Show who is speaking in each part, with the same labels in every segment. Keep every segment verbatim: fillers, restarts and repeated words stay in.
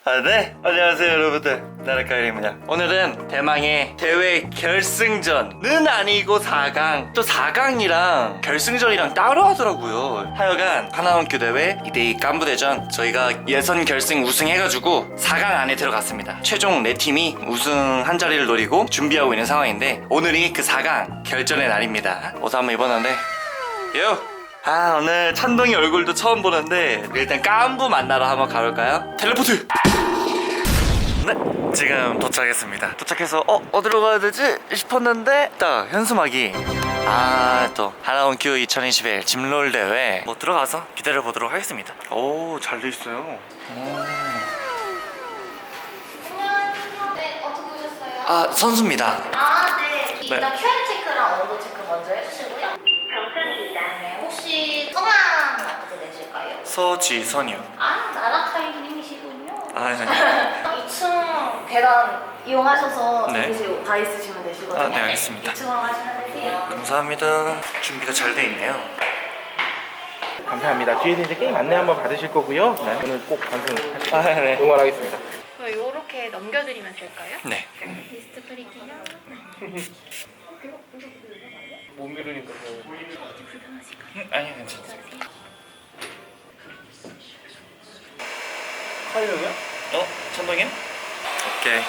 Speaker 1: 아, 네, 안녕하세요 여러분들, 나라카일입니다. 오늘은 대망의 대회 결승전은 아니고 사 강, 또 사 강이랑 결승전이랑 따로 하더라고요. 하여간 하나원큐 대회 이 대 이 깐부대전, 저희가 예선 결승 우승해가지고 사 강 안에 들어갔습니다. 최종 네 팀이 우승 한 자리를 노리고 준비하고 있는 상황인데, 오늘이 그 사 강 결전의 날입니다. 옷 한번 입었는데 요! 아, 오늘 찬동이 얼굴도 처음 보는데 일단 깐부 만나러 한번 가볼까요? 텔레포트! 네, 지금 도착했습니다. 도착해서 어? 어디로 가야 되지? 싶었는데 딱 현수막이, 아, 또 하나원큐 이천이십일 짐롤 대회 뭐 들어가서 기다려보도록 하겠습니다. 오, 잘 돼 있어요. 오.
Speaker 2: 네, 어떻게 오셨어요?
Speaker 1: 아, 선수입니다.
Speaker 2: 아, 네.
Speaker 1: 네.
Speaker 2: 일단 큐알 체크랑 온도 체크 먼저 해주시고요. 병선입니다. 네, 혹시 성함 어떻게 되실까요?
Speaker 1: 서지선이요.
Speaker 2: 아, 나라카이님이시군요.
Speaker 1: 아, 네.
Speaker 2: 이 층 계단 이용하셔서
Speaker 1: 네.
Speaker 2: 여기서 다 있으시면 되시거든요.
Speaker 1: 아, 네, 알겠습니다.
Speaker 2: 이 층으로 가시면 되세요.
Speaker 1: 감사합니다. 준비가 잘 돼 있네요.
Speaker 3: 감사합니다. 뒤에서 이제 게임 안내 한번 받으실 거고요. 네. 오늘 꼭 방송하시고
Speaker 1: 아, 네.
Speaker 3: 응원하겠습니다.
Speaker 4: 이렇게 넘겨드리면 될까요?
Speaker 1: 네.
Speaker 4: 리스트 프리팅이요?
Speaker 3: 못 미루니까
Speaker 1: 아니요, 괜찮습니다.
Speaker 3: 하이형이요?
Speaker 1: 어? 천동님? 오케이,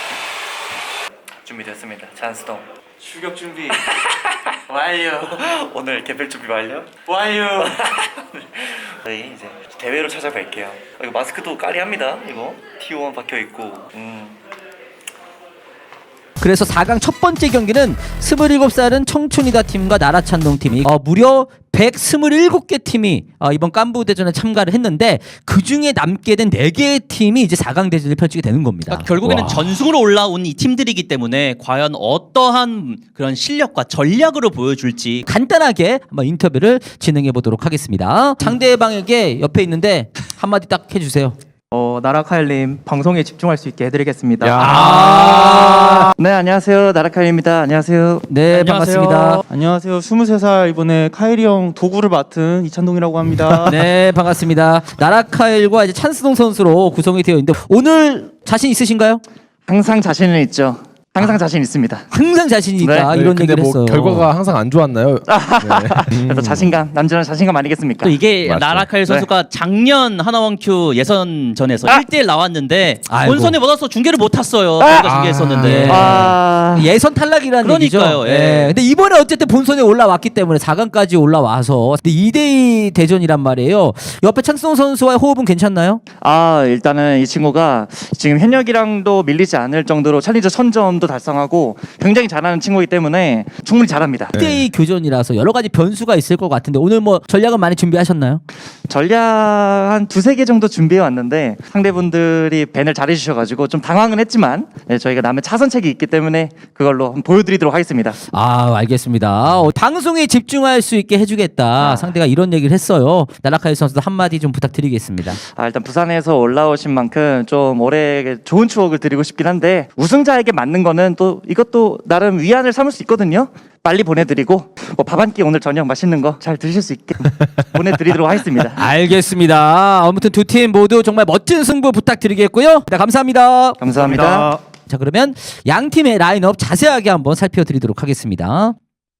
Speaker 1: 준비됐습니다. 찬스동 출격 준비 완료. 오늘 개별 준비 완료? 완료. 저희 이제 대회로 찾아뵐게요. 어, 이거 마스크도 까리합니다. 이거 티 원 박혀있고. 음.
Speaker 5: 그래서 사 강 첫 번째 경기는 스물일곱 살은 청춘이다 팀과 나라찬동 팀이 어, 무려 백이십칠 개 팀이 어, 이번 깐부대전에 참가를 했는데, 그 중에 남게 된 네 개의 팀이 이제 사 강 대전을 펼치게 되는 겁니다.
Speaker 6: 그러니까 결국에는
Speaker 5: 와.
Speaker 6: 전승으로 올라온 이 팀들이기 때문에 과연 어떠한 그런 실력과 전략으로 보여줄지
Speaker 5: 간단하게 한번 인터뷰를 진행해 보도록 하겠습니다. 상대방에게 옆에 있는데 한마디 딱 해주세요.
Speaker 7: 어, 나라카일님 방송에 집중할 수 있게 해드리겠습니다.
Speaker 5: 아,
Speaker 7: 네, 안녕하세요. 나라카일입니다. 안녕하세요.
Speaker 5: 네,
Speaker 7: 안녕하세요.
Speaker 5: 반갑습니다.
Speaker 7: 안녕하세요. 스물세 살 이번에 카일이 형 도구를 맡은 이찬동이라고 합니다.
Speaker 5: 네, 반갑습니다. 나라카일과 이제 찬스동 선수로 구성이 되어 있는데, 오늘 자신 있으신가요?
Speaker 7: 항상 자신은 있죠. 항상 자신 있습니다.
Speaker 5: 항상 자신이 있다,
Speaker 7: 네.
Speaker 5: 이런
Speaker 8: 근데
Speaker 5: 얘기를
Speaker 8: 뭐
Speaker 5: 했어요.
Speaker 8: 결과가 항상 안 좋았나요? 네.
Speaker 7: 그래서 자신감, 남자는 자신감 아니겠습니까?
Speaker 6: 또 이게
Speaker 8: 맞죠.
Speaker 6: 나라카일 선수가 작년 하나원큐 예선전에서
Speaker 7: 아!
Speaker 6: 일 대 일 나왔는데
Speaker 5: 아이고.
Speaker 6: 본선에 못 와서 중계를 못 탔어요. 저희가 중계했었는데
Speaker 5: 네.
Speaker 7: 아,
Speaker 5: 예선 탈락이라는
Speaker 6: 그러니까요,
Speaker 5: 얘기죠.
Speaker 6: 예.
Speaker 5: 예. 근데 이번에 어쨌든 본선에 올라왔기 때문에 사 강까지 올라와서 근데 이 대 이 대전이란 말이에요. 옆에 찬스동 선수와의 호흡은 괜찮나요?
Speaker 7: 아, 일단은 이 친구가 지금 현역이랑도 밀리지 않을 정도로 챌린저 선점도 달성하고 굉장히 잘하는 친구이기 때문에 충분히 잘합니다.
Speaker 5: 이 대 이 교전이라서 여러 가지 변수가 있을 것 같은데, 오늘 뭐 전략은 많이 준비하셨나요?
Speaker 7: 전략 한 두세 개 정도 준비해 왔는데 상대분들이 밴을 잘해주셔가지고 좀 당황은 했지만, 네, 저희가 남의 차선책이 있기 때문에 그걸로 한번 보여드리도록 하겠습니다.
Speaker 5: 아, 알겠습니다. 어, 방송에 집중할 수 있게 해주겠다.
Speaker 7: 아.
Speaker 5: 상대가 이런 얘기를 했어요. 나라카일 선수도 한마디 좀 부탁드리겠습니다.
Speaker 7: 아, 일단 부산에서 올라오신 만큼 좀 올해 좋은 추억을 드리고 싶긴 한데, 우승자에게 맞는 거는 또 이것도 나름 위안을 삼을 수 있거든요. 빨리 보내드리고 뭐 밥 한 끼 오늘 저녁 맛있는 거 잘 드실 수 있게 보내드리도록 하겠습니다.
Speaker 5: 알겠습니다. 아무튼 두 팀 모두 정말 멋진 승부 부탁드리겠고요. 네, 감사합니다.
Speaker 7: 감사합니다.
Speaker 5: 자, 그러면 양 팀의 라인업 자세하게 한번 살펴드리도록 하겠습니다.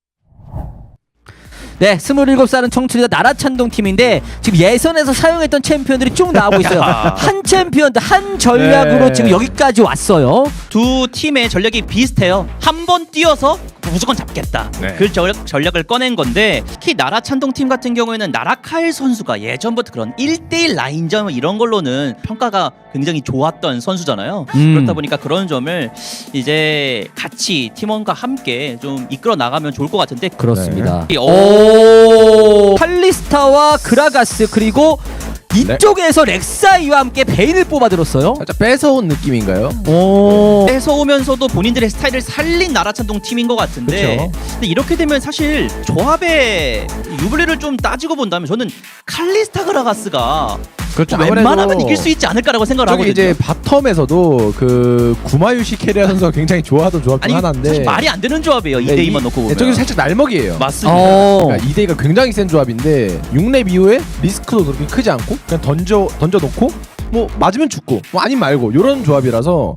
Speaker 5: 네, 스물일곱 살은 청춘이다 나라찬동 팀인데, 지금 예선에서 사용했던 챔피언들이 쭉 나오고 있어요. 한 챔피언, 한 전략으로
Speaker 8: 네.
Speaker 5: 지금 여기까지 왔어요.
Speaker 6: 두 팀의 전략이 비슷해요. 한 번 뛰어서 무조건 잡겠다.
Speaker 8: 네.
Speaker 6: 그 전략, 전략을 꺼낸 건데, 특히 나라찬동 팀 같은 경우에는 나라카일 선수가 예전부터 그런 일 대 일 라인전 이런 걸로는 평가가 굉장히 좋았던 선수잖아요.
Speaker 5: 음.
Speaker 6: 그렇다 보니까 그런 점을 이제 같이 팀원과 함께 좀 이끌어 나가면 좋을 것 같은데,
Speaker 5: 그렇습니다.
Speaker 6: 네.
Speaker 5: 오, 칼리스타와 그라가스, 그리고 이쪽에서 렉사이와 함께 베인을 뽑아들었어요.
Speaker 8: 살짝 뺏어온 느낌인가요?
Speaker 5: 오,
Speaker 6: 뺏어오면서도 본인들의 스타일을 살린 나라찬동 팀인 것 같은데,
Speaker 5: 그쵸.
Speaker 6: 근데 이렇게 되면 사실 조합의 유불리를 좀 따지고 본다면 저는 칼리스타 그라가스가
Speaker 8: 그렇죠.
Speaker 6: 웬만하면
Speaker 8: 아무래도
Speaker 6: 이길 수 있지 않을까라고 생각을
Speaker 8: 저기
Speaker 6: 하거든요.
Speaker 8: 이제 바텀에서도 그 구마유시 캐리아 선수가 굉장히 좋아하던 조합 중
Speaker 6: 아니
Speaker 8: 하나인데,
Speaker 6: 사실 말이 안 되는 조합이에요.
Speaker 8: 네,
Speaker 6: 이 대 이만
Speaker 8: 이-
Speaker 6: 놓고
Speaker 8: 네,
Speaker 6: 보면.
Speaker 8: 저기 살짝 날먹이에요.
Speaker 6: 맞습니다.
Speaker 5: 어.
Speaker 8: 그러니까 이 대 이가 굉장히 센 조합인데 육 렙 이후에 리스크도 그렇게 크지 않고 그냥 던져 던져 놓고 뭐 맞으면 죽고 뭐 아님 말고 요런 조합이라서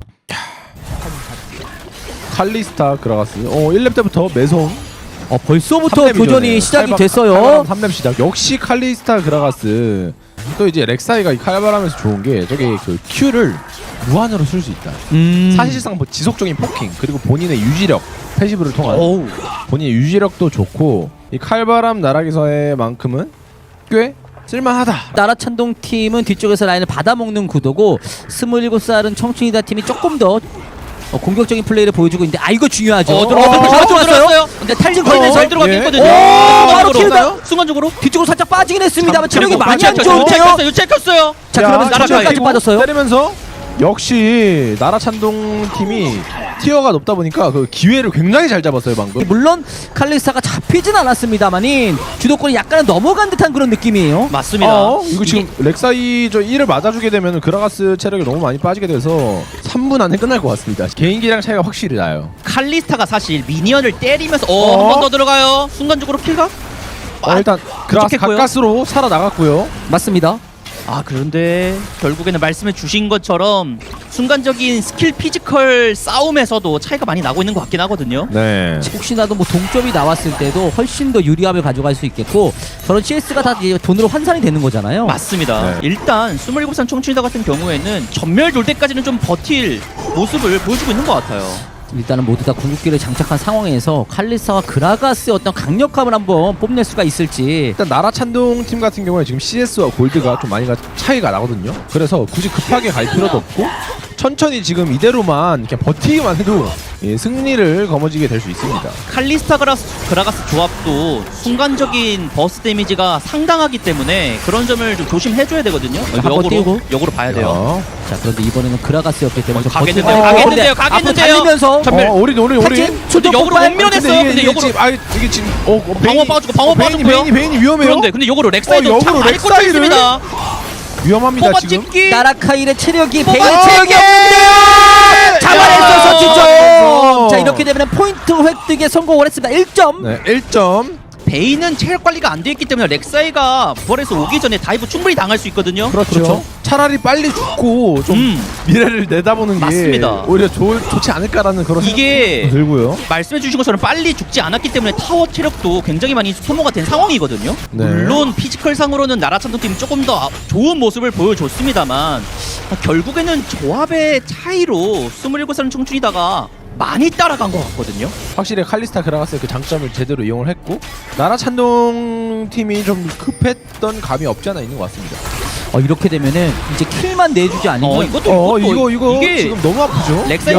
Speaker 8: 칼리스타 그라가스 어 일 렙 때부터 매서운
Speaker 5: 어, 벌써부터
Speaker 8: 삼 렙이죠,
Speaker 5: 교전이
Speaker 8: 네.
Speaker 5: 시작이
Speaker 8: 칼바-
Speaker 5: 됐어요.
Speaker 8: 칼바람 삼 렙 시작. 역시 칼리스타 그라가스. 또 이제 렉사이가 이 칼바람에서 좋은 게 저게 그 Q를 무한으로 쓸 수 있다.
Speaker 5: 음.
Speaker 8: 사실상 뭐 지속적인 포킹 그리고 본인의 유지력 패시브를 통한
Speaker 6: 어우.
Speaker 8: 본인의 유지력도 좋고 이 칼바람 나락에서의 만큼은 꽤 쓸만하다.
Speaker 5: 나라찬동 팀은 뒤쪽에서 라인을 받아먹는 구도고 스물일곱 살은 청춘이다 팀이 조금 더 어, 공격적인 플레이를 보여주고 있는데 아 이거 중요하죠.
Speaker 6: 어, 들어갔어요.
Speaker 5: 바로
Speaker 6: 들어갔어요.
Speaker 5: 들어갔어요. 근데 탈진 걸면서
Speaker 6: 잘 들어가긴
Speaker 8: 예.
Speaker 6: 했거든요.
Speaker 5: 오, 바로
Speaker 6: 순간적으로.
Speaker 5: 킬다.
Speaker 6: 순간적으로.
Speaker 5: 뒤쪽으로 살짝 빠지긴 했습니다만 체력이
Speaker 8: 그리고
Speaker 5: 많이 안
Speaker 8: 맞췄죠.
Speaker 5: 좋은데요.
Speaker 6: 체크했어요. 체크했어요.
Speaker 5: 자
Speaker 8: 야,
Speaker 5: 그러면
Speaker 8: 나라카이
Speaker 5: 나라까지
Speaker 8: 그리고
Speaker 5: 빠졌어요.
Speaker 8: 때리면서 역시 나라찬동 팀이 티어가 높다 보니까 그 기회를 굉장히 잘 잡았어요 방금.
Speaker 5: 물론 칼리스타가 잡히진 않았습니다만인 주도권이 약간은 넘어간 듯한 그런 느낌이에요.
Speaker 6: 맞습니다.
Speaker 8: 어, 이거 지금 렉사이 저 일을 맞아주게 되면 그라가스 체력이 너무 많이 빠지게 돼서 삼 분 안에 끝날 것 같습니다. 개인기량 차이가 확실히 나요.
Speaker 6: 칼리스타가 사실 미니언을 때리면서 어,
Speaker 8: 어?
Speaker 6: 한 번 더 들어가요. 순간적으로 킬각?
Speaker 8: 어, 일단 그라가스
Speaker 6: 부족했고요.
Speaker 8: 가까스로 살아 나갔고요.
Speaker 5: 맞습니다.
Speaker 6: 아 그런데 결국에는 말씀해 주신 것처럼 순간적인 스킬 피지컬 싸움에서도 차이가 많이 나고 있는 것 같긴 하거든요.
Speaker 8: 네.
Speaker 5: 혹시나도 뭐 동점이 나왔을 때도 훨씬 더 유리함을 가져갈 수 있겠고 저런 씨에스가 다 이제 돈으로 환산이 되는 거잖아요.
Speaker 6: 맞습니다.
Speaker 8: 네.
Speaker 6: 일단 스물일곱 살 청춘이다 같은 경우에는 전멸 돌 때까지는 좀 버틸 모습을 보여주고 있는 것 같아요.
Speaker 5: 일단은 모두 다 궁극기를 장착한 상황에서 칼리스타와 그라가스의 어떤 강력함을 한번 뽐낼 수가 있을지.
Speaker 8: 일단 나라찬동 팀 같은 경우에 지금 씨에스와 골드가 좀 많이 가, 차이가 나거든요. 그래서 굳이 급하게 갈 필요도 없고 천천히 지금 이대로만 그냥 버티기만 해도 예, 승리를 거머쥐게 될 수 있습니다.
Speaker 6: 칼리스타 그라스, 그라가스 조합도 순간적인 버스 데미지가 상당하기 때문에 그런 점을 좀 조심해줘야 되거든요.
Speaker 5: 한번
Speaker 6: 역으로,
Speaker 5: 띄우고.
Speaker 6: 역으로 봐야 돼요.
Speaker 5: 자 그런데 이번에는 그라가스였기 때문에
Speaker 6: 어,
Speaker 5: 좀
Speaker 6: 가겠는데요,
Speaker 5: 버티고-
Speaker 6: 가겠는데요,
Speaker 5: 앞으로
Speaker 6: 가겠는데요.
Speaker 5: 달리면서
Speaker 6: 전멸.
Speaker 8: 어, 오리 오리 오리.
Speaker 5: 탈진
Speaker 6: 근데
Speaker 5: 초도
Speaker 6: 역으로
Speaker 5: 폭발!
Speaker 6: 못 밀어냈어요.
Speaker 8: 근데 이게,
Speaker 6: 근데
Speaker 8: 이게
Speaker 6: 역으로
Speaker 8: 지금 아 이게 지금 어, 어
Speaker 6: 방어 빠지고 방어
Speaker 8: 베인이
Speaker 6: 빠졌고요.
Speaker 8: 베인이 베인이 위험해요.
Speaker 6: 그런데 근데 역으로 렉사이도
Speaker 8: 어,
Speaker 6: 참
Speaker 8: 역으로
Speaker 6: 많이 꽂혀
Speaker 8: 렉사이를?
Speaker 6: 있습니다.
Speaker 8: 위험합니다
Speaker 6: 포바
Speaker 8: 지금.
Speaker 6: 찍기.
Speaker 5: 나라카일의 체력이 베인
Speaker 6: 뽑아
Speaker 5: 체력이
Speaker 6: 찍기!
Speaker 5: 없는데요. 잡아냈어서
Speaker 8: 야!
Speaker 5: 득점. 자 이렇게 되면 포인트 획득에 성공을 했습니다. 일 점.
Speaker 8: 네, 일 점.
Speaker 6: 베인은 체력 관리가 안 돼 있기 때문에 렉사이가 부활해서 오기 전에 다이브 충분히 당할 수 있거든요.
Speaker 8: 그렇죠. 차라리 빨리 죽고 좀
Speaker 6: 음.
Speaker 8: 미래를 내다보는 게
Speaker 6: 맞습니다.
Speaker 8: 오히려 좋, 좋지 않을까라는 그런
Speaker 6: 이게
Speaker 8: 생각도 들고요.
Speaker 6: 말씀해 주신 것처럼 빨리 죽지 않았기 때문에 타워 체력도 굉장히 많이 소모가 된 상황이거든요.
Speaker 8: 네.
Speaker 6: 물론 피지컬 상으로는 나라찬동 팀이 조금 더 좋은 모습을 보여줬습니다만 결국에는 조합의 차이로 스물일곱 살 청춘이다가 많이 따라간 것 같거든요.
Speaker 8: 확실히 칼리스타 그라가스의 그 장점을 제대로 이용을 했고 나라찬동 팀이 좀 급했던 감이 없지 않아 있는 것 같습니다.
Speaker 5: 어 이렇게 되면은 이제 킬만 내주지 않으면
Speaker 6: 어 이것도
Speaker 8: 어
Speaker 6: 이것도
Speaker 8: 이거 이거
Speaker 6: 이게
Speaker 8: 지금 너무 아프죠?
Speaker 6: 렉사이가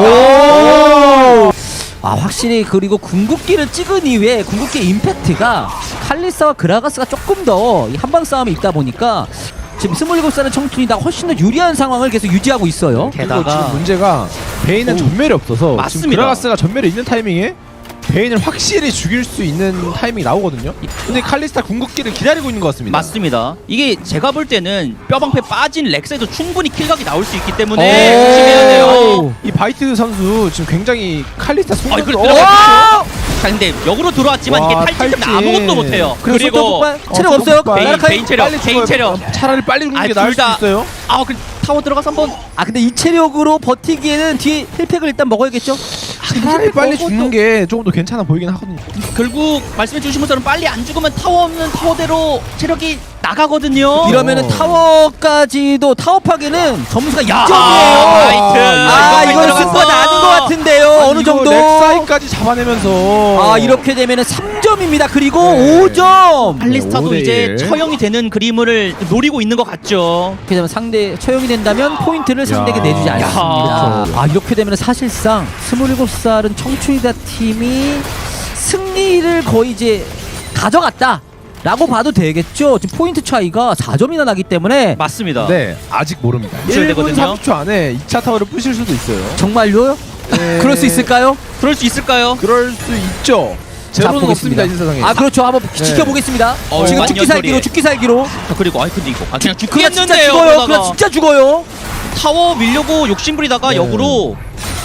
Speaker 5: 오! 아 확실히 그리고 궁극기를 찍은 이후에 궁극기 임팩트가 칼리스와 그라가스가 조금 더 한방 싸움이 있다 보니까 지금 스물일곱 살의 청춘이다 훨씬 더 유리한 상황을 계속 유지하고 있어요.
Speaker 8: 그리고
Speaker 6: 게다가
Speaker 8: 지금 문제가 베인은
Speaker 6: 오.
Speaker 8: 전멸이 없어서 지금
Speaker 6: 맞습니다.
Speaker 8: 그라가스가 전멸이 있는 타이밍에 베인을 확실히 죽일 수 있는 타이밍이 나오거든요. 근데 칼리스타 궁극기를 기다리고 있는 것 같습니다.
Speaker 6: 맞습니다. 이게 제가 볼 때는 뼈방패 빠진 렉사이도 충분히 킬각이 나올 수 있기 때문에
Speaker 5: 오.
Speaker 6: 조심해야 돼요.
Speaker 8: 이 바이트 선수 지금 굉장히 칼리스타
Speaker 6: 아,
Speaker 8: 속력도
Speaker 6: 이걸
Speaker 8: 어!
Speaker 6: 들어갔죠. 자, 근데 역으로 들어왔지만
Speaker 8: 와,
Speaker 6: 이게 탈진 때문에
Speaker 8: 탈진.
Speaker 6: 아무것도 못해요.
Speaker 5: 그리고
Speaker 6: 그리고
Speaker 5: 속도폭발 체력
Speaker 8: 어,
Speaker 5: 없어요.
Speaker 8: 속도폭발.
Speaker 6: 베인,
Speaker 5: 나라카이
Speaker 6: 베인 체력,
Speaker 8: 빨리
Speaker 6: 베인
Speaker 8: 죽어요.
Speaker 6: 체력.
Speaker 8: 차라리 빨리 죽는
Speaker 6: 아,
Speaker 8: 게 나을
Speaker 6: 둘
Speaker 8: 수도
Speaker 6: 다.
Speaker 8: 있어요.
Speaker 6: 아, 그 타워 들어가서 한번
Speaker 5: 아 근데 이 체력으로 버티기에는 뒤에 힐팩을 일단 먹어야겠죠.
Speaker 8: 차라리 빨리 죽는 게 조금 더 괜찮아 보이긴 하거든요.
Speaker 6: 결국 말씀해 주신 것처럼 빨리 안 죽으면 타워 없는 타워대로 체력이 나가거든요.
Speaker 5: 이러면은 타워까지도 타워 파괴는 점수가 이 점이에요.
Speaker 6: 화이트.
Speaker 5: 아
Speaker 6: 이거
Speaker 5: 이건
Speaker 6: 들어갔어.
Speaker 5: 승부가 나는 것 같은데요.
Speaker 8: 아니,
Speaker 5: 어느
Speaker 8: 이거
Speaker 5: 정도.
Speaker 8: 렉사이까지 잡아내면서
Speaker 5: 아 이렇게 되면은 삼 점입니다. 그리고
Speaker 8: 네.
Speaker 5: 오 점.
Speaker 6: 칼리스타도
Speaker 8: 오 대
Speaker 6: 이제
Speaker 8: 일.
Speaker 6: 처형이 되는 그림을 노리고 있는 것 같죠.
Speaker 5: 이렇게 되면 상대 처형이 된다면 포인트를 상대에게 내주지
Speaker 8: 야,
Speaker 5: 않습니다.
Speaker 8: 그렇죠.
Speaker 5: 아 이렇게 되면 사실상 스물일곱 살은 청춘이다 팀이 승리를 거의 이제 가져갔다. 라고 봐도 되겠죠. 지금 포인트 차이가 사 점이나 나기 때문에
Speaker 6: 맞습니다.
Speaker 8: 네, 아직 모릅니다.
Speaker 6: 붙여야
Speaker 8: 일 분
Speaker 6: 되거든요.
Speaker 8: 삼십 초 안에 이 차 타워를 부실 수도 있어요.
Speaker 5: 정말로요?
Speaker 8: 네.
Speaker 5: 그럴 수 있을까요?
Speaker 6: 그럴 수 있을까요?
Speaker 8: 그럴 수 있죠.
Speaker 5: 자,
Speaker 8: 제로는
Speaker 5: 보겠습니다.
Speaker 8: 없습니다 이 세상에.
Speaker 5: 아 그렇죠. 한번
Speaker 8: 네.
Speaker 5: 지켜보겠습니다.
Speaker 6: 어,
Speaker 5: 지금
Speaker 6: 완전
Speaker 5: 죽기 살기로
Speaker 6: 소리에.
Speaker 5: 죽기 살기로.
Speaker 6: 아, 그리고 아이 근데 이거 아, 그냥
Speaker 5: 그냥 진짜
Speaker 6: 죽겠는데요.
Speaker 5: 죽어요.
Speaker 6: 그러다가.
Speaker 5: 그냥 진짜 죽어요.
Speaker 6: 타워 밀려고 욕심부리다가
Speaker 8: 네.
Speaker 6: 역으로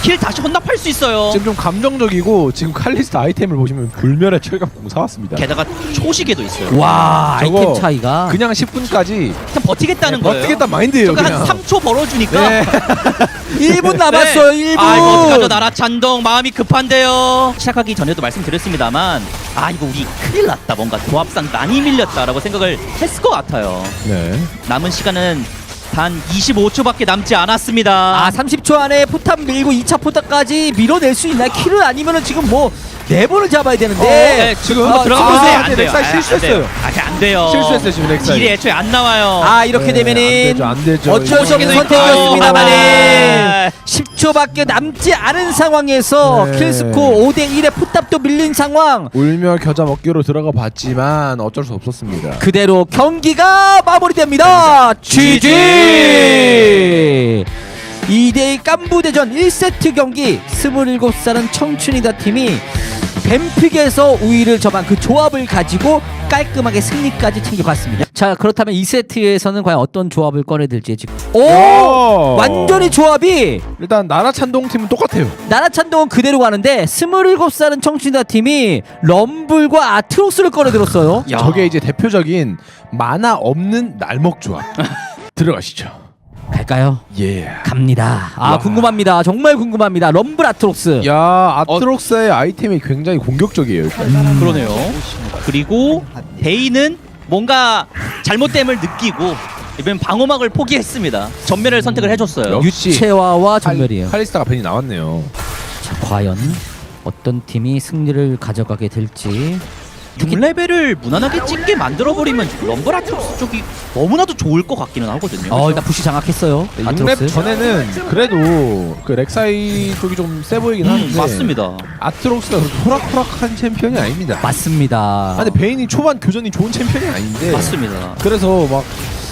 Speaker 6: 킬 다시 혼납할 수 있어요.
Speaker 8: 지금 좀 감정적이고 지금 칼리스트 아이템을 보시면 불멸의 철갑공 사왔습니다.
Speaker 6: 게다가 초시계도 있어요.
Speaker 5: 와
Speaker 8: 저거
Speaker 5: 아이템 차이가
Speaker 8: 그냥 십 분까지
Speaker 6: 그냥 버티겠다는 거예요.
Speaker 8: 버티겠다 마인드예요.
Speaker 6: 저거
Speaker 8: 그냥.
Speaker 6: 한 삼 초 벌어주니까.
Speaker 8: 네.
Speaker 5: 일 분 남았어요. 일 분.
Speaker 6: 아 이거 어떡하죠? 나라 찬동 마음이 급한데요. 시작하기 전에도 말씀드렸습니다만 아 이거 우리 큰일 났다. 뭔가 조합상 많이 밀렸다라고 생각을 했을 것 같아요.
Speaker 8: 네.
Speaker 6: 남은 시간은 단 이십오 초밖에 남지 않았습니다.
Speaker 5: 아 삼십 초 안에 포탑 밀고 이 차 포탑까지 밀어낼 수 있나요? 킬을 아니면은 지금 뭐 네 번을 잡아야 되는데
Speaker 6: 네,
Speaker 8: 지금
Speaker 6: 한번
Speaker 8: 아,
Speaker 6: 들어가
Speaker 8: 아,
Speaker 6: 보세요.
Speaker 8: 근데
Speaker 6: 안 돼요.
Speaker 8: 렉사이
Speaker 6: 아, 안
Speaker 8: 실수했어요.
Speaker 6: 돼요. 아, 안 돼요.
Speaker 8: 실수했어요, 지금 렉사이.
Speaker 6: 딜이 애초에 안 나와요.
Speaker 5: 아 이렇게
Speaker 8: 네,
Speaker 5: 되면은
Speaker 8: 안 되죠, 안 되죠.
Speaker 5: 어쩔 수 없는
Speaker 6: 이거
Speaker 5: 선택이었습니다만은
Speaker 6: 아.
Speaker 5: 십 초밖에 남지 않은 상황에서
Speaker 8: 네.
Speaker 5: 킬스코 오 대 일에 포탑도 밀린 상황
Speaker 8: 울며 겨자 먹기로 들어가 봤지만 어쩔 수 없었습니다.
Speaker 5: 그대로 경기가 마무리됩니다. 지지 이 대 이 깐부대전 일 세트 경기 스물일곱 살은 청춘이다 팀이 뱀픽에서 우위를 점한 그 조합을 가지고 깔끔하게 승리까지 챙겨갔습니다. 자 그렇다면 이 세트에서는 과연 어떤 조합을 꺼내들지 지금 오
Speaker 8: 오!
Speaker 5: 완전히 조합이
Speaker 8: 일단 나라 찬동 팀은 똑같아요.
Speaker 5: 나라찬동은 그대로 가는데 스물일곱 살은 청춘이다 팀이 럼블과 아트록스를 꺼내들었어요.
Speaker 6: 야.
Speaker 8: 저게 이제 대표적인 만화 없는 날먹 조합. 들어가시죠.
Speaker 5: 갈까요?
Speaker 8: 예.
Speaker 5: 갑니다. 아
Speaker 8: 와.
Speaker 5: 궁금합니다. 정말 궁금합니다. 럼블 아트록스.
Speaker 8: 야, 아트록스의 아이템이 굉장히 공격적이에요. 일단.
Speaker 6: 음, 그러네요. 그리고 베이는 뭔가 잘못됨을 느끼고 이번 방어막을 포기했습니다. 전멸을 선택을 해줬어요.
Speaker 8: 역시
Speaker 5: 유채화와 전멸이에요.
Speaker 8: 칼, 칼리스타가 벤이 나왔네요.
Speaker 5: 자, 과연 어떤 팀이 승리를 가져가게 될지.
Speaker 6: 육 레벨을 무난하게 찍게 만들어버리면 럼블 아트록스 쪽이 너무나도 좋을 것 같기는 하거든요.
Speaker 5: 어 일단 부시 장악했어요.
Speaker 8: 육 렙
Speaker 5: 아트록스.
Speaker 8: 전에는 그래도 그 렉사이 쪽이 좀 세 보이긴
Speaker 6: 음,
Speaker 8: 하는데
Speaker 6: 맞습니다.
Speaker 8: 아트록스가 그렇게 호락호락한 챔피언이 아닙니다.
Speaker 5: 맞습니다.
Speaker 8: 아, 근데 베인이 초반 교전이 좋은 챔피언이 아닌데
Speaker 6: 맞습니다.
Speaker 8: 그래서 막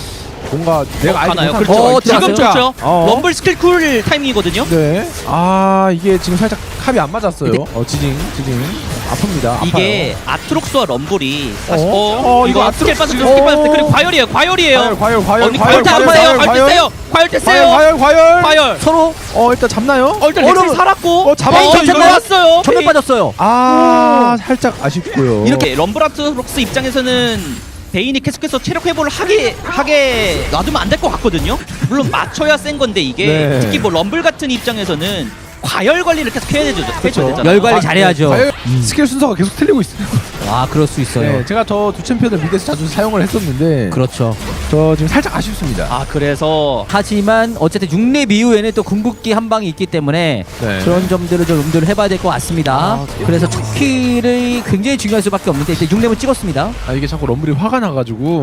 Speaker 8: 뭔가 내가 알지
Speaker 6: 가나요?
Speaker 8: 못한
Speaker 6: 그렇죠.
Speaker 5: 어,
Speaker 6: 지금
Speaker 5: 들어갔어요?
Speaker 6: 좋죠.
Speaker 8: 어.
Speaker 6: 럼블 스킬 쿨 타이밍이거든요.
Speaker 8: 네. 아 이게 지금 살짝 합이 안 맞았어요.
Speaker 5: 근데-
Speaker 8: 어 지징 지징 아픕니다.
Speaker 6: 이게 아트록스와 럼블이 사실
Speaker 8: 어?
Speaker 6: 어,
Speaker 8: 어,
Speaker 6: 이거
Speaker 8: 이거
Speaker 6: 스킬
Speaker 8: 아트록스-
Speaker 6: 빠졌어 스킬 빠졌어 그리고 과열이에요 과열이에요.
Speaker 8: 과열 과열 과열
Speaker 6: 언니
Speaker 8: 과열
Speaker 6: 과열 다
Speaker 8: 과열
Speaker 6: 세요
Speaker 8: 과열
Speaker 6: 과열 됐어요 과열 됐어요
Speaker 8: 과열 과열
Speaker 6: 과열.
Speaker 5: 서로
Speaker 8: 어 일단 잡나요?
Speaker 6: 어 일단
Speaker 5: 어,
Speaker 6: 렉스
Speaker 5: 여러분.
Speaker 6: 살았고
Speaker 8: 어, 잡았어요,
Speaker 6: 이거
Speaker 5: 이거.
Speaker 6: 나왔어요.
Speaker 5: 전멸 빠졌어요.
Speaker 8: 아 살짝 아쉽고요.
Speaker 6: 이렇게 럼블 아트록스 입장에서는 베인이 계속해서 체력 회복을 하게 하게 놔두면 안 될 것 같거든요. 물론 맞춰야 센 건데 이게
Speaker 8: 네.
Speaker 6: 특히 뭐 럼블 같은 입장에서는 과열 관리를 계속 해야 되죠. 해줘야 되잖아요.
Speaker 5: 열 관리
Speaker 8: 아,
Speaker 5: 잘해야죠.
Speaker 8: 과열 스킬 순서가 계속 틀리고 있어요.
Speaker 5: 아 그럴 수 있어요.
Speaker 8: 네, 제가 저 두 챔피언을 미드에서 자주 사용을 했었는데
Speaker 5: 그렇죠.
Speaker 8: 저 지금 살짝 아쉽습니다.
Speaker 6: 아 그래서
Speaker 5: 하지만 어쨌든 육 렙 이후에는 또 궁극기 한 방이 있기 때문에
Speaker 8: 네.
Speaker 5: 그런 점들을 좀 염두를 해봐야 될 것 같습니다.
Speaker 6: 아,
Speaker 5: 그래서 첫 킬이 굉장히 중요할 수밖에 없는데 일단 육 렙을 찍었습니다.
Speaker 8: 아 이게 자꾸 럼블이 화가 나가지고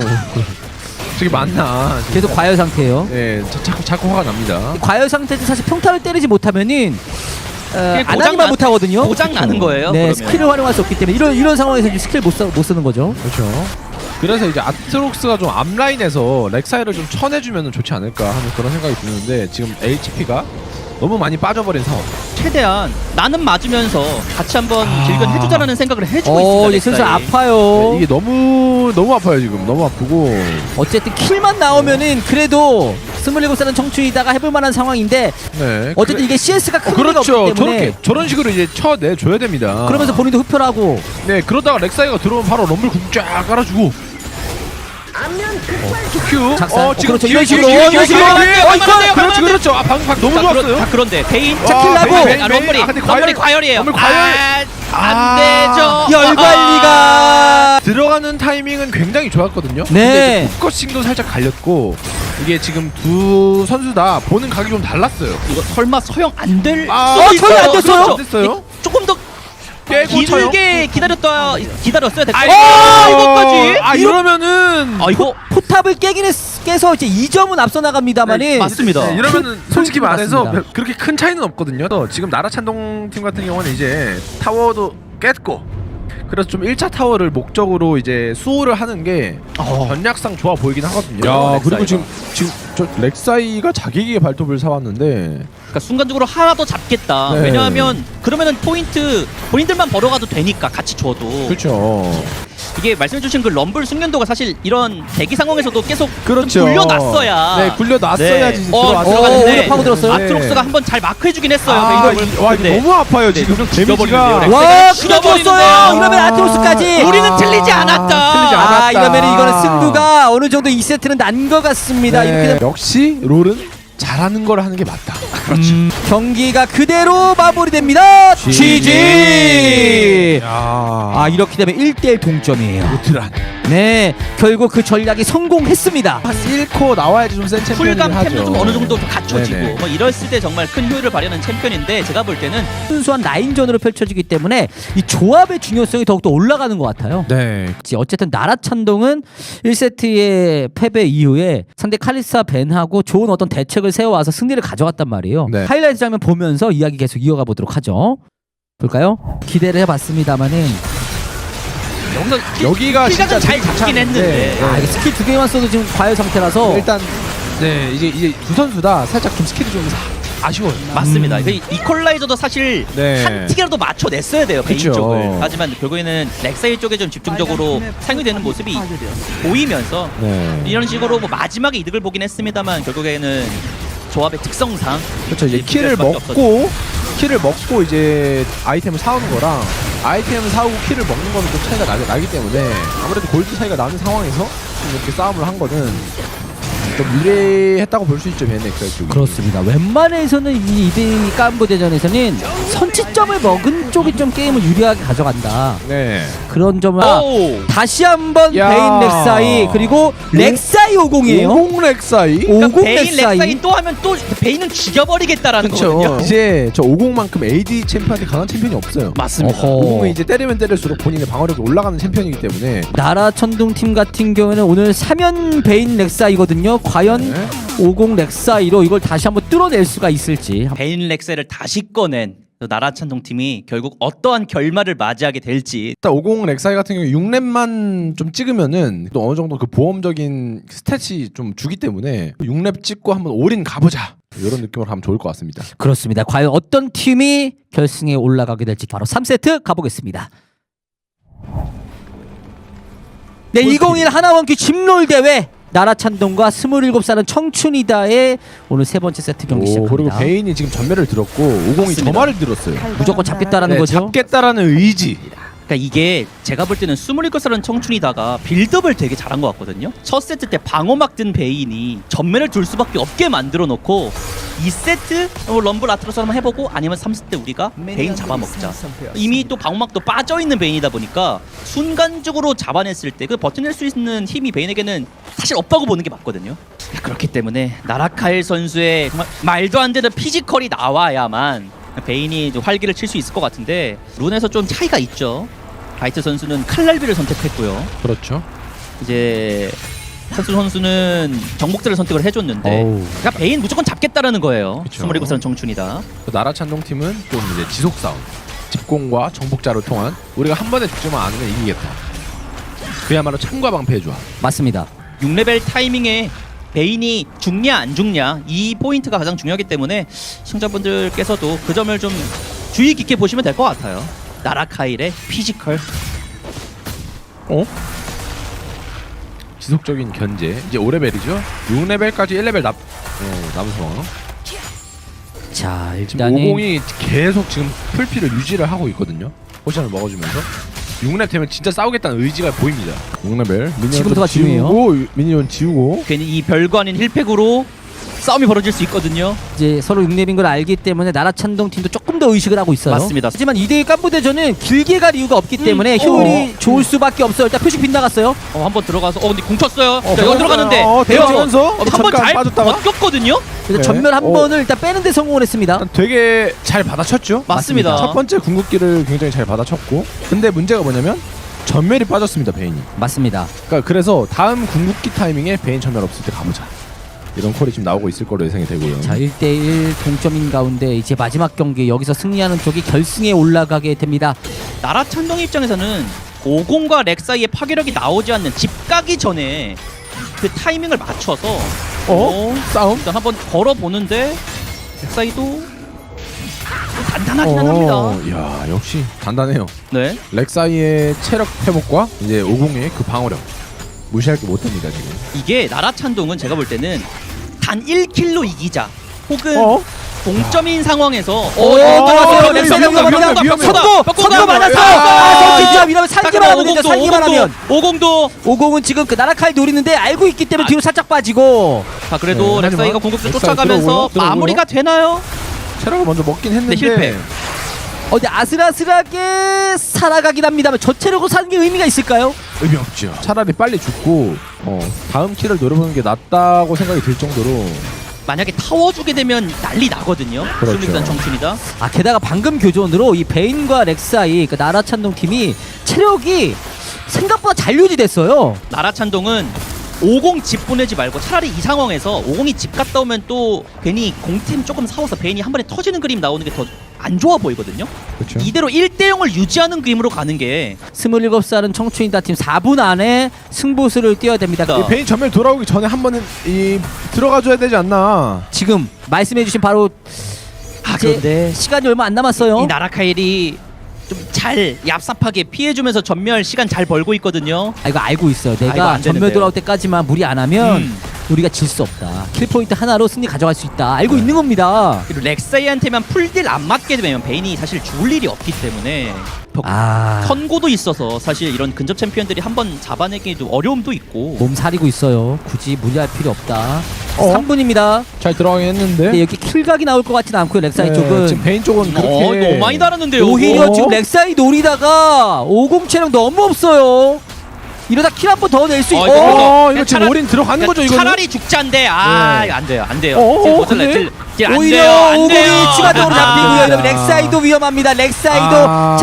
Speaker 8: 저게 맞나?
Speaker 5: 계속 과열 상태예요.
Speaker 8: 네, 자, 자꾸 자꾸 화가 납니다.
Speaker 5: 과열 상태에서 사실 평타를 때리지 못하면은 어,
Speaker 6: 그게
Speaker 5: 안
Speaker 6: 고장
Speaker 5: 하기만
Speaker 6: 나-
Speaker 5: 못하거든요.
Speaker 6: 고장 나는 거예요.
Speaker 5: 네,
Speaker 6: 그러면.
Speaker 5: 스킬을 활용할 수 없기 때문에 이런 이런 상황에서 이제 스킬 못, 써, 못 쓰는 거죠.
Speaker 8: 그렇죠. 그래서 이제 아트록스가 좀 앞라인에서 렉사이를 좀 쳐내주면 좋지 않을까 하는 그런 생각이 드는데 지금 에이치피가 너무 많이 빠져버린 상황.
Speaker 6: 최대한 나는 맞으면서 같이 한번 길건 해주자라는 생각을 해주고
Speaker 5: 어,
Speaker 6: 있습니다.
Speaker 5: 이제 슬슬
Speaker 6: 렉사이.
Speaker 5: 아파요.
Speaker 8: 네, 이게 너무 너무 아파요 지금. 너무 아프고.
Speaker 5: 어쨌든 킬만 나오면은 그래도 스물일곱 살은 청춘이다가 해볼 만한 상황인데
Speaker 8: 네.
Speaker 5: 어쨌든
Speaker 8: 그래-
Speaker 5: 이게 씨에스가 큰
Speaker 8: 어,
Speaker 5: 의미가
Speaker 8: 그렇죠.
Speaker 5: 없기 때문에
Speaker 8: 저렇게 저런 식으로 이제 쳐내줘야 됩니다.
Speaker 5: 그러면서 본인도 흡혈하고
Speaker 8: 네 그러다가 렉사이가 들어오면 바로 럼블 궁 쫙 깔아주고. 어, 큐.
Speaker 5: 작살.
Speaker 8: 어,
Speaker 5: 어,
Speaker 8: 지금
Speaker 5: 그렇죠.
Speaker 8: 뒤에,
Speaker 5: 이런
Speaker 8: 뒤에,
Speaker 5: 식으로.
Speaker 8: 뒤에,
Speaker 5: 어,
Speaker 8: 뒤에,
Speaker 5: 이런
Speaker 8: 뒤에,
Speaker 5: 식으로.
Speaker 8: 뒤에.
Speaker 6: 어,
Speaker 8: 어,
Speaker 6: 이거요.
Speaker 8: 그렇죠, 그렇죠. 아, 방금 방금 너무
Speaker 6: 자,
Speaker 8: 좋았어요.
Speaker 6: 그런, 자, 그런데 베인
Speaker 8: 와,
Speaker 5: 자, 킬 나고.
Speaker 8: 베인, 베인,
Speaker 6: 아,
Speaker 8: 베인.
Speaker 6: 럼블이
Speaker 8: 아, 근데
Speaker 6: 럼블이
Speaker 8: 과열-
Speaker 6: 과열이에요.
Speaker 8: 럼블 과열.
Speaker 6: 아, 안
Speaker 8: 아.
Speaker 6: 되죠.
Speaker 5: 열 관리가
Speaker 8: 들어가는 타이밍은 굉장히 좋았거든요.
Speaker 5: 네.
Speaker 8: 근데 이제 포커싱도 살짝 갈렸고 이게 지금 두 선수 다 보는 각이 좀 달랐어요.
Speaker 6: 이거 설마 서영 안 될?
Speaker 8: 아,
Speaker 6: 수도
Speaker 5: 어,
Speaker 6: 있어요.
Speaker 5: 서영 안 됐어요?
Speaker 6: 그렇죠.
Speaker 8: 안 됐어요?
Speaker 6: 조금 더
Speaker 8: 깨고 쳐요.
Speaker 6: 길게 기다렸다 기다렸어야 됐고.
Speaker 8: 아이고,
Speaker 6: 아, 이거까지.
Speaker 8: 아 이러면은
Speaker 6: 아 이거
Speaker 5: 포탑을 깨긴 했, 깨서 이제 이 점은 앞서 나갑니다만은
Speaker 6: 네, 맞습니다.
Speaker 8: 네, 이러면은 솔직히
Speaker 5: 큰
Speaker 8: 말해서
Speaker 5: 맞습니다.
Speaker 8: 별- 그렇게 큰 차이는 없거든요. 또 지금 나라찬동 팀 같은 경우는 이제 타워도 깼고 그래서 좀 일 차 타워를 목적으로 이제 수호를 하는 게
Speaker 6: 어.
Speaker 8: 전략상 좋아 보이긴 하거든요.
Speaker 6: 야,
Speaker 8: 렉사이가.
Speaker 6: 그리고 지금-
Speaker 8: 지금 저 렉사이가 자기에게 발톱을 사왔는데
Speaker 6: 그러니까 순간적으로 하나 더 잡겠다.
Speaker 8: 네.
Speaker 6: 왜냐하면 그러면은 포인트 본인들만 벌어가도 되니까 같이 줘도.
Speaker 8: 그렇죠.
Speaker 6: 이게 말씀해주신 그 럼블 숙련도가 사실 이런 대기 상황에서도 계속
Speaker 8: 그렇죠.
Speaker 6: 좀 굴려놨어야
Speaker 8: 네, 굴려놨어야지
Speaker 6: 네. 어,
Speaker 8: 들어왔어요.
Speaker 6: 들어갔는데
Speaker 5: 오히려 파고들었어요?
Speaker 6: 아트록스가
Speaker 8: 네.
Speaker 6: 한번 잘 마크해주긴 했어요.
Speaker 8: 아,
Speaker 6: 베인을.
Speaker 8: 이, 와 이거
Speaker 6: 네.
Speaker 8: 너무 아파요
Speaker 6: 네,
Speaker 8: 지금
Speaker 6: 좀
Speaker 8: 데미지가.
Speaker 6: 죽여버리는데요.
Speaker 5: 와,
Speaker 6: 죽여버리는데요.
Speaker 5: 끊어줬어요. 이러면 아트로스까지.
Speaker 6: 우리는 틀리지 않았다.
Speaker 8: 틀리지
Speaker 5: 아,
Speaker 8: 않았다.
Speaker 5: 이러면 이거는 승부가 어느 정도 이 세트는 난 것 같습니다.
Speaker 8: 네,
Speaker 5: 이렇게 되면
Speaker 8: 역시 롤은 잘하는 걸 하는 게 맞다.
Speaker 5: 음, 경기가 그대로 마무리됩니다. 지지.
Speaker 8: 야,
Speaker 5: 아, 이렇게 되면 일 대 일 동점이에요.
Speaker 8: 루트란.
Speaker 5: 네, 결국 그 전략이 성공했습니다.
Speaker 8: 일 코 나와야지 좀 센 챔피언이긴
Speaker 6: 쿨감
Speaker 8: 하죠.
Speaker 6: 템도 좀 어느 정도 좀 갖춰지고
Speaker 8: 네네.
Speaker 6: 뭐 이랬을 때 정말 큰 효율을 발휘하는 챔피언인데 제가 볼 때는
Speaker 5: 순수한 라인전으로 펼쳐지기 때문에 이 조합의 중요성이 더욱더 올라가는 것 같아요.
Speaker 8: 네.
Speaker 5: 어쨌든 나라찬동은 일 세트의 패배 이후에 상대 칼리스와 벤하고 좋은 어떤 대책을 세워와서 승리를 가져갔단 말이에요.
Speaker 8: 네.
Speaker 5: 하이라이트 장면 보면서 이야기 계속 이어가 보도록 하죠. 볼까요? 기대를 해봤습니다만은
Speaker 6: 여기서
Speaker 8: 여기가 진짜
Speaker 6: 킬각은 잘
Speaker 8: 되게
Speaker 6: 잡긴
Speaker 8: 괜찮은데,
Speaker 6: 했는데
Speaker 5: 아, 이게 스킬 두 개만 써도 지금 과열 상태라서
Speaker 8: 일단 네 이제 이제 두 선수 다 살짝 좀 스킬이 좀 아쉬워요.
Speaker 6: 맞습니다.
Speaker 5: 음.
Speaker 6: 그 이퀄라이저도 사실
Speaker 8: 네.
Speaker 6: 한 틱이라도 맞춰냈어야 돼요 베인
Speaker 8: 그쵸.
Speaker 6: 쪽을. 하지만 결국에는 렉사이 쪽에 좀 집중적으로 사용이 되는 모습이 보이면서
Speaker 8: 네.
Speaker 6: 이런 식으로 뭐 마지막에 이득을 보긴 했습니다만 결국에는 조합의 특성상
Speaker 8: 그렇죠. 이제
Speaker 6: 이
Speaker 8: 키를
Speaker 6: 수밖에
Speaker 8: 먹고 키를 먹고 이제 아이템을 사오는 거랑 아이템을 사오고 키를 먹는 거는 좀 차이가 나, 나기 때문에 아무래도 골드 차이가 나는 상황에서 좀 이렇게 싸움을 한 거는 좀 유리했다고 볼 수 있죠, 베네크라 쪽이.
Speaker 5: 그렇습니다. 웬만해서는 이 이대이 깐부 대전에서는 선취점을 먹은 쪽이 좀 게임을 유리하게 가져간다.
Speaker 8: 네.
Speaker 5: 그런 점을
Speaker 6: 오!
Speaker 5: 다시 한번
Speaker 8: 야.
Speaker 5: 베인 렉사이 그리고 렉사이 오공이에요.
Speaker 8: 오공 렉사이.
Speaker 6: 그러니까
Speaker 5: 오공
Speaker 6: 베인
Speaker 5: 렉사이.
Speaker 6: 렉사이 또 하면 또 베인은 죽여버리겠다라는
Speaker 8: 그렇죠.
Speaker 6: 거거든요.
Speaker 8: 이제 저 오공만큼 에이디 챔피언한테 강한 챔피언이 없어요.
Speaker 6: 맞습니다.
Speaker 5: 어허.
Speaker 8: 오공은 이제 때리면 때릴수록 본인의 방어력이 올라가는 챔피언이기 때문에
Speaker 5: 나라 천둥 팀 같은 경우에는 오늘 삼연 베인 렉사이거든요. 과연
Speaker 8: 네.
Speaker 5: 오공 렉사이로 이걸 다시 한번 뚫어낼 수가 있을지.
Speaker 6: 베인 렉사이를 다시 꺼낸 나라찬동 팀이 결국 어떠한 결말을 맞이하게 될지.
Speaker 8: 일단 오공 렉사이 같은 경우 육 렙만 좀 찍으면은 또 어느 정도 그 보험적인 스탯이 좀 주기 때문에 육 렙 찍고 한번 올인 가보자 이런 느낌으로 하면 좋을 것 같습니다.
Speaker 5: 그렇습니다. 과연 어떤 팀이 결승에 올라가게 될지 바로 삼 세트 가보겠습니다. 네, 이천이십일 하나원큐 집롤 대회 나라찬동과 스물일곱 살은 청춘이다의 오늘 세 번째 세트 경기
Speaker 8: 오,
Speaker 5: 시작합니다.
Speaker 8: 그리고 베인이 지금 전멸을 들었고 오공이
Speaker 6: 맞습니다.
Speaker 8: 점화를 들었어요.
Speaker 5: 무조건 잡겠다라는
Speaker 8: 네,
Speaker 5: 거죠.
Speaker 8: 잡겠다라는 의지.
Speaker 6: 그러니까 이게 제가 볼 때는 스물일곱 살은 청춘이다가 빌드업을 되게 잘한 것 같거든요. 첫 세트 때 방어막 든 베인이 전면을 둘 수밖에 없게 만들어 놓고 이 세트 뭐 럼블 아트로스 한번 해보고 아니면 삼 세트 때 우리가 베인 잡아먹자. 이미 또 방어막도 빠져있는 베인이다 보니까 순간적으로 잡아냈을 때 그 버텨낼 수 있는 힘이 베인에게는 사실 없다고 보는 게 맞거든요. 그렇기 때문에 나라카일 선수의 정말 말도 안 되는 피지컬이 나와야만 베인이 좀 활기를 칠 수 있을 것 같은데 룬에서 좀 차이가 있죠. 바이트 선수는 칼날비를 선택했고요.
Speaker 8: 그렇죠.
Speaker 6: 이제 선수 선수는 정복자를 선택을 해줬는데
Speaker 5: 어우.
Speaker 6: 그러니까 베인 무조건 잡겠다라는 거예요.
Speaker 8: 그쵸.
Speaker 6: 스물일곱 살 청춘이다.
Speaker 8: 나라찬동 팀은 좀 이제 지속 싸움, 집공과 정복자를 통한 우리가 한 번에 죽지만 않으면 이기겠다. 그야말로 참과 방패의 조합.
Speaker 5: 맞습니다.
Speaker 6: 육 레벨 타이밍에 베인이 죽냐 안 죽냐 이 포인트가 가장 중요하기 때문에 시청자분들께서도 그 점을 좀 주의 깊게 보시면 될 것 같아요. 나라카일의 피지컬.
Speaker 8: 어? 지속적인 견제. 이제 오 레벨이죠. 육 레벨까지 일 레벨 납 어, 남은 상황.
Speaker 5: 자,
Speaker 8: 지금
Speaker 5: 일단은
Speaker 8: 오공이 계속 지금 풀피를 유지를 하고 있거든요. 포션을 먹어주면서 육 렙 되면 진짜 싸우겠다는 의지가 보입니다. 육 레벨 미니언
Speaker 5: 지금부터가
Speaker 8: 지우고 미니언 지우고
Speaker 6: 괜히 이 별거 아닌 힐팩으로 싸움이 벌어질 수 있거든요.
Speaker 5: 이제 서로 육 렙인 걸 알기 때문에 나라찬동 팀도 조금 더 의식을 하고 있어요.
Speaker 6: 맞습니다.
Speaker 5: 하지만 이대일 깐부대전은 길게 갈 이유가 없기 때문에
Speaker 6: 음,
Speaker 5: 효율이
Speaker 6: 어.
Speaker 5: 좋을 수밖에 없어요. 일단 표식 빗나갔어요.
Speaker 6: 어, 한번 들어가서 어 근데 공 쳤어요. 자,
Speaker 8: 배워-
Speaker 6: 여기 들어갔는데
Speaker 8: 어, 들어가면서
Speaker 6: 한번
Speaker 8: 잠깐
Speaker 6: 잘
Speaker 8: 빠졌다가?
Speaker 6: 버텼거든요.
Speaker 5: 그래서
Speaker 8: 네.
Speaker 5: 전멸 한
Speaker 8: 어.
Speaker 5: 번을 일단 빼는 데 성공을 했습니다.
Speaker 8: 일단 되게 잘 받아쳤죠.
Speaker 6: 맞습니다.
Speaker 8: 첫 번째 궁극기를 굉장히 잘 받아쳤고 근데 문제가 뭐냐면 전멸이 빠졌습니다. 베인이.
Speaker 5: 맞습니다.
Speaker 8: 그러니까 그래서 다음 궁극기 타이밍에 베인 전멸 없을 때 가보자. 이런 콜이 지금 나오고 있을 거로 예상이 되고요.
Speaker 5: 자, 일 대 일 동점인 가운데 이제 마지막 경기 여기서 승리하는 쪽이 결승에 올라가게 됩니다.
Speaker 6: 나라찬동 입장에서는 오공과 렉 사이의 파괴력이 나오지 않는 집 가기 전에 그 타이밍을 맞춰서
Speaker 8: 어? 싸움?
Speaker 6: 일단 한번 걸어 보는데 렉 사이도 단단 단단하기는 합니다.
Speaker 8: 야 역시 단단해요.
Speaker 6: 네.
Speaker 8: 렉사이의 체력 회복과 이제 오공의 그 방어력 무시할 게 못합니다 지금.
Speaker 6: 이게 나라찬동은 제가 볼 때는 단 일 킬로 이기자 혹은
Speaker 8: 어?
Speaker 6: 동점인 상황에서
Speaker 5: 오, 들어갔어요. 렉사이가 위험합니다. 선고! 선고 맞았어! 아, 선점 이러면 살기만 하면 되죠. 살기만 하면.
Speaker 6: 오공도
Speaker 5: 오공은 지금 그 나라칼 노리는데 알고 있기 때문에 뒤로 살짝 빠지고.
Speaker 6: 자 그래도
Speaker 8: 네,
Speaker 6: 렉사이가
Speaker 8: 하지만
Speaker 6: 공격수
Speaker 8: 렉사이
Speaker 6: 쫓아가면서
Speaker 8: 들어오고요, 들어오고요.
Speaker 6: 마무리가 되나요?
Speaker 8: 체력을 먼저 먹긴 했는데
Speaker 6: 네, 실패.
Speaker 5: 어, 근데 아슬아슬하게 살아가긴 합니다만 저 체력으로 사는 게 의미가 있을까요?
Speaker 8: 의미 없죠. 차라리 빨리 죽고 어, 다음 킬을 노려보는 게 낫다고 생각이 들 정도로.
Speaker 6: 만약에 타워 주게 되면 난리 나거든요.
Speaker 8: 그렇죠.
Speaker 6: 스물일단 청춘이다.
Speaker 5: 아, 게다가 방금 교전으로 이 베인과 렉사이 그 나라찬동 팀이 체력이 생각보다 잘 유지됐어요.
Speaker 6: 나라찬동은 오공 집 보내지 말고 차라리 이 상황에서 오공이 집 갔다 오면 또 괜히 공템 조금 사와서 베인이 한 번에 터지는 그림 나오는 게 더 안 좋아 보이거든요.
Speaker 8: 그렇죠.
Speaker 6: 이대로 일 대 영을 유지하는 그림으로 가는 게
Speaker 5: 스물일곱 살은 청춘이다 팀 사 분 안에 승부수를 띄어야 됩니다.
Speaker 6: 자.
Speaker 8: 이 베인 전멸 돌아오기 전에 한 번은 이 들어가줘야 되지 않나.
Speaker 5: 지금 말씀해주신 바로
Speaker 6: 아,
Speaker 5: 이제
Speaker 6: 그런데
Speaker 5: 시간이 얼마 안 남았어요.
Speaker 6: 이 나라카일이 좀 잘 얍삽하게 피해주면서 전멸 시간 잘 벌고 있거든요.
Speaker 5: 아, 이거 알고 있어요.
Speaker 6: 아, 이거
Speaker 5: 내가
Speaker 6: 안
Speaker 5: 전멸
Speaker 6: 되는데요.
Speaker 5: 돌아올 때까지만 무리 안 하면
Speaker 6: 음.
Speaker 5: 우리가 질 수 없다. 킬 포인트 하나로 승리 가져갈 수 있다. 알고 있는 겁니다.
Speaker 6: 그리고 렉사이한테만 풀딜 안 맞게 되면 베인이 사실 죽을 일이 없기 때문에
Speaker 5: 아,
Speaker 6: 선고도 있어서 사실 이런 근접 챔피언들이 한번 잡아내기 좀 어려움도 있고.
Speaker 5: 몸 사리고 있어요. 굳이 무리할 필요 없다.
Speaker 8: 어?
Speaker 5: 삼 분입니다.
Speaker 8: 잘 들어가긴 했는데.
Speaker 5: 근데 여기 킬각이 나올 것 같지는 않고요. 렉사이
Speaker 8: 네,
Speaker 5: 쪽은
Speaker 8: 지금 베인 쪽은 그렇게
Speaker 6: 어, 너무 많이 달았는데요.
Speaker 5: 오히려
Speaker 8: 어?
Speaker 5: 지금 렉사이 노리다가 오공 체력 너무 없어요. 이러다 킬 한 번 더 낼 수 있.
Speaker 6: 어,
Speaker 5: 어,
Speaker 6: 이거
Speaker 8: 어, 이거
Speaker 6: 차라-
Speaker 8: 지금 올인 들어가는 거죠 이거는?
Speaker 6: 차라리 죽자인데 아
Speaker 8: 네.
Speaker 6: 안 돼요 안 돼요.
Speaker 8: 어, 어,
Speaker 6: 딜 못
Speaker 8: 근데?
Speaker 6: 살려요. 딜- 딜안 돼요,
Speaker 5: 오히려
Speaker 6: 안
Speaker 5: 오공이
Speaker 6: 돼요.
Speaker 5: 추가적으로
Speaker 6: 아,
Speaker 5: 잡히고요.
Speaker 8: 아.
Speaker 5: 이러면 렉사이도 위험합니다. 렉사이도
Speaker 8: 아,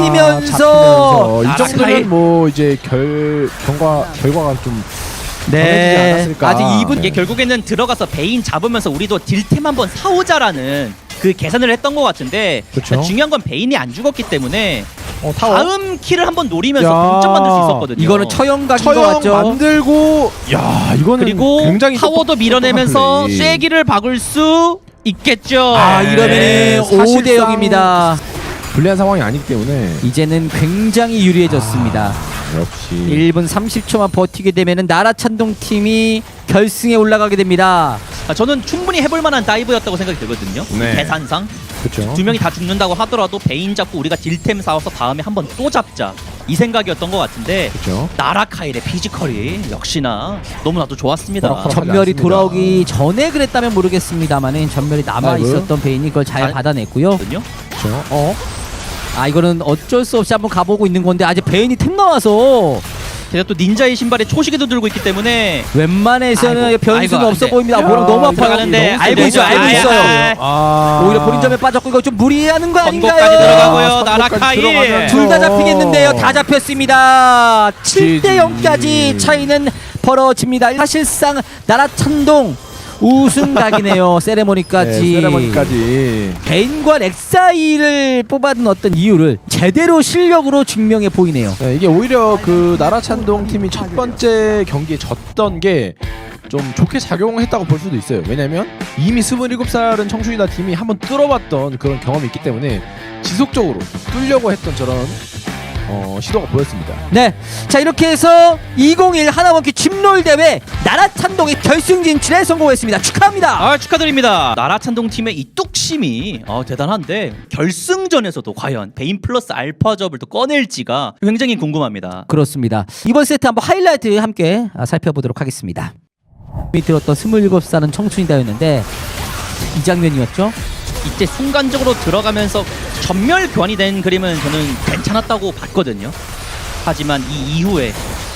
Speaker 5: 잡히면서.
Speaker 8: 잡히면서. 이
Speaker 6: 아,
Speaker 8: 정도면
Speaker 6: 스카이.
Speaker 8: 뭐 이제 결 경과 결과가 좀 정해지지
Speaker 5: 네.
Speaker 8: 않았을까.
Speaker 5: 아직 이 분
Speaker 6: 이게 결국에는 들어가서 베인 잡으면서 우리도 딜템 한번 사오자라는 그 계산을 했던 것 같은데
Speaker 8: 그쵸.
Speaker 6: 중요한 건 베인이 안 죽었기 때문에
Speaker 8: 어, 타워
Speaker 6: 다음 킬을 한번 노리면서
Speaker 8: 야.
Speaker 6: 동점 만들 수 있었거든요.
Speaker 5: 이거는 처형각인 것
Speaker 8: 처형
Speaker 5: 같죠.
Speaker 8: 만들고 야 이거는
Speaker 6: 그리고
Speaker 8: 굉장히
Speaker 6: 타워도
Speaker 8: 똑똑-
Speaker 6: 밀어내면서
Speaker 8: 똑똑한 플레이.
Speaker 6: 쐐기를 박을 수 있겠죠.
Speaker 5: 아,
Speaker 8: 네,
Speaker 5: 이러면은 오 대
Speaker 8: 사실상-
Speaker 5: 영입니다.
Speaker 8: 불리한 상황이 아니기 때문에
Speaker 5: 이제는 굉장히 유리해졌습니다.
Speaker 8: 역시
Speaker 5: 일 분 삼십 초만 버티게 되면은 나라찬동 팀이 결승에 올라가게 됩니다.
Speaker 6: 아, 저는 충분히 해볼 만한 다이브였다고 생각이 들거든요.
Speaker 8: 네.
Speaker 6: 계산상
Speaker 8: 그렇죠.
Speaker 6: 두 명이 다 죽는다고 하더라도 베인 잡고 우리가 딜템 사와서 다음에 한번 또 잡자 이 생각이었던 것 같은데
Speaker 8: 그렇죠.
Speaker 6: 나라카일의 피지컬이 역시나 너무나도 좋았습니다.
Speaker 8: 호락호락.
Speaker 5: 전멸이
Speaker 8: 않습니다.
Speaker 5: 돌아오기 전에 그랬다면 모르겠습니다만은 전멸이 남아
Speaker 8: 아이고.
Speaker 5: 있었던 베인이 그걸 잘
Speaker 6: 잘-
Speaker 5: 받아냈고요.
Speaker 6: 거든요.
Speaker 8: 그렇죠. 어?
Speaker 5: 아, 이거는 어쩔 수 없이 한번 가보고 있는 건데 아직 베인이 템 나와서
Speaker 6: 제가 또 닌자의 신발에 초시계도 들고 있기 때문에
Speaker 5: 웬만해서는
Speaker 6: 아이고,
Speaker 5: 변수는
Speaker 6: 아이고,
Speaker 5: 없어
Speaker 6: 안 돼.
Speaker 5: 보입니다.
Speaker 8: 야,
Speaker 5: 뭐랑 너무 아파요.
Speaker 6: 들어가는데
Speaker 5: 알고
Speaker 6: 안
Speaker 5: 있어요. 알고
Speaker 6: 되죠.
Speaker 5: 있어요.
Speaker 6: 아,
Speaker 8: 아
Speaker 5: 오히려 본인점에 빠졌고 이거 좀 무리하는 거 아닌가요?
Speaker 6: 선고까지 들어가고요.
Speaker 8: 선고까지
Speaker 6: 나라카일.
Speaker 8: 들어가면서.
Speaker 5: 둘 다 잡히겠는데요. 다 잡혔습니다. 칠 대
Speaker 8: 지지.
Speaker 5: 영까지 차이는 벌어집니다. 사실상 나라찬동 우승각이네요. 세레모니까지.
Speaker 8: 네, 세레머니까지.
Speaker 5: 베인과 렉사이를 뽑아둔 어떤 이유를 제대로 실력으로 증명해 보이네요.
Speaker 8: 네, 이게 오히려 그 나라찬동 팀이 첫 번째 경기에 졌던 게 좀 좋게 작용했다고 볼 수도 있어요. 왜냐면 이미 스물일곱 살은 청춘이다 팀이 한번 뚫어봤던 그런 경험이 있기 때문에 지속적으로 뚫려고 했던 저런 어, 시도가 보였습니다.
Speaker 5: 네, 자 이렇게 해서 이천일 하나원큐 칩롤 대회 나라찬동이 결승 진출에 성공했습니다. 축하합니다.
Speaker 6: 아 축하드립니다. 나라찬동 팀의 이 뚝심이 어, 대단한데 결승전에서도 과연 베인 플러스 알파접을 또 꺼낼지가 굉장히 궁금합니다.
Speaker 5: 그렇습니다. 이번 세트 한번 하이라이트 함께 아, 살펴보도록 하겠습니다. 이 들었던 스물일곱 살은 청춘이다였는데 이 장면이었죠.
Speaker 6: 이때 순간적으로 들어가면서 전멸 교환이 된 그림은 저는 괜찮았다고 봤거든요. 하지만 이 이후에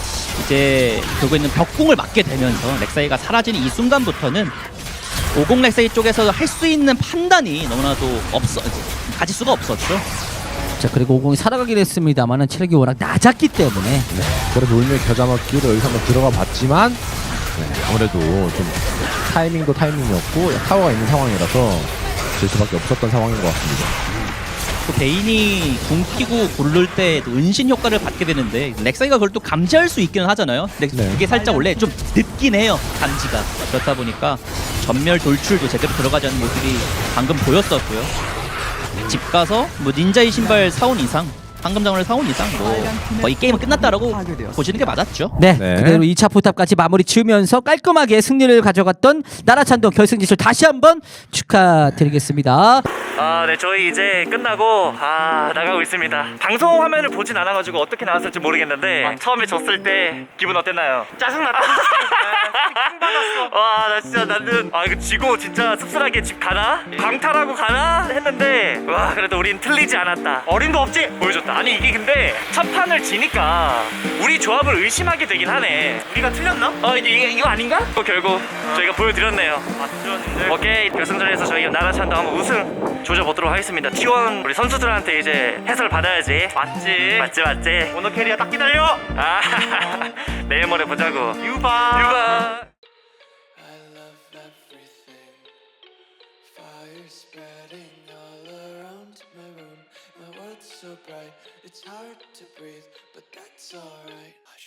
Speaker 6: 이제 결국에는 벽궁을 맞게 되면서 렉사이가 사라지는 이 순간부터는 오공 렉사이 쪽에서 할 수 있는 판단이 너무나도 없어 가질 수가 없었죠.
Speaker 5: 자 그리고 오공이 살아가긴 했습니다만은 체력이 워낙 낮았기 때문에
Speaker 8: 네, 그래도 울며 겨자 먹기로 여기서 한번 들어가 봤지만 네, 아무래도 좀 타이밍도 타이밍이었고 타워가 있는 상황이라서 질 수밖에 없었던 상황인 것 같습니다.
Speaker 6: 또 베인이 궁 끼고 굴를 때 은신 효과를 받게 되는데 렉사이가 그걸 또 감지할 수 있기는 하잖아요. 근데
Speaker 8: 네.
Speaker 6: 그게 살짝 원래 좀 늦긴 해요. 감지가. 그렇다 보니까 전멸 돌출도 제대로 들어가지 않는 모습이 방금 보였었고요. 집 가서 뭐 닌자의 신발 사온 이상, 황금장어를 사온 이상 뭐 거의 게임은 끝났다라고 보시는 게 맞았죠.
Speaker 5: 네,
Speaker 8: 네.
Speaker 5: 그대로 이 차 포탑까지 마무리 지으면서 깔끔하게 승리를 가져갔던 나라찬동 결승 진출 다시 한번 축하드리겠습니다.
Speaker 1: 아, 네, 저희 이제 끝나고 아 나가고 있습니다. 방송 화면을 보진 않아가지고 어떻게 나왔을지 모르겠는데 처음에 졌을 때 기분 어땠나요? 짜증났다. 와, 나 진짜 나는 아 이거 지고 진짜 씁쓸하게 집 가나? 광탈하고 가나? 했는데 와 그래도 우린 틀리지 않았다. 어림도 없지 보여줬다. 아니 이게 근데 첫 판을 지니까 우리 조합을 의심하게 되긴 하네. 우리가 틀렸나? 어 이제 이게 이거 아닌가? 또 결국 저희가 보여드렸네요. 맞죠, 오케이, 결승전에서 저희 나라찬도 한번 우승 조져보도록 하겠습니다. 티 원 우리 선수들한테 이제 해설 받아야지. 맞지 맞지 맞지. 오너 캐리어 딱 기다려. 아 내일 모레 보자고. 유바 유바.
Speaker 9: I love everything. Fire spreading all around my room. My world's so bright, it's hard to breathe, but that's alright.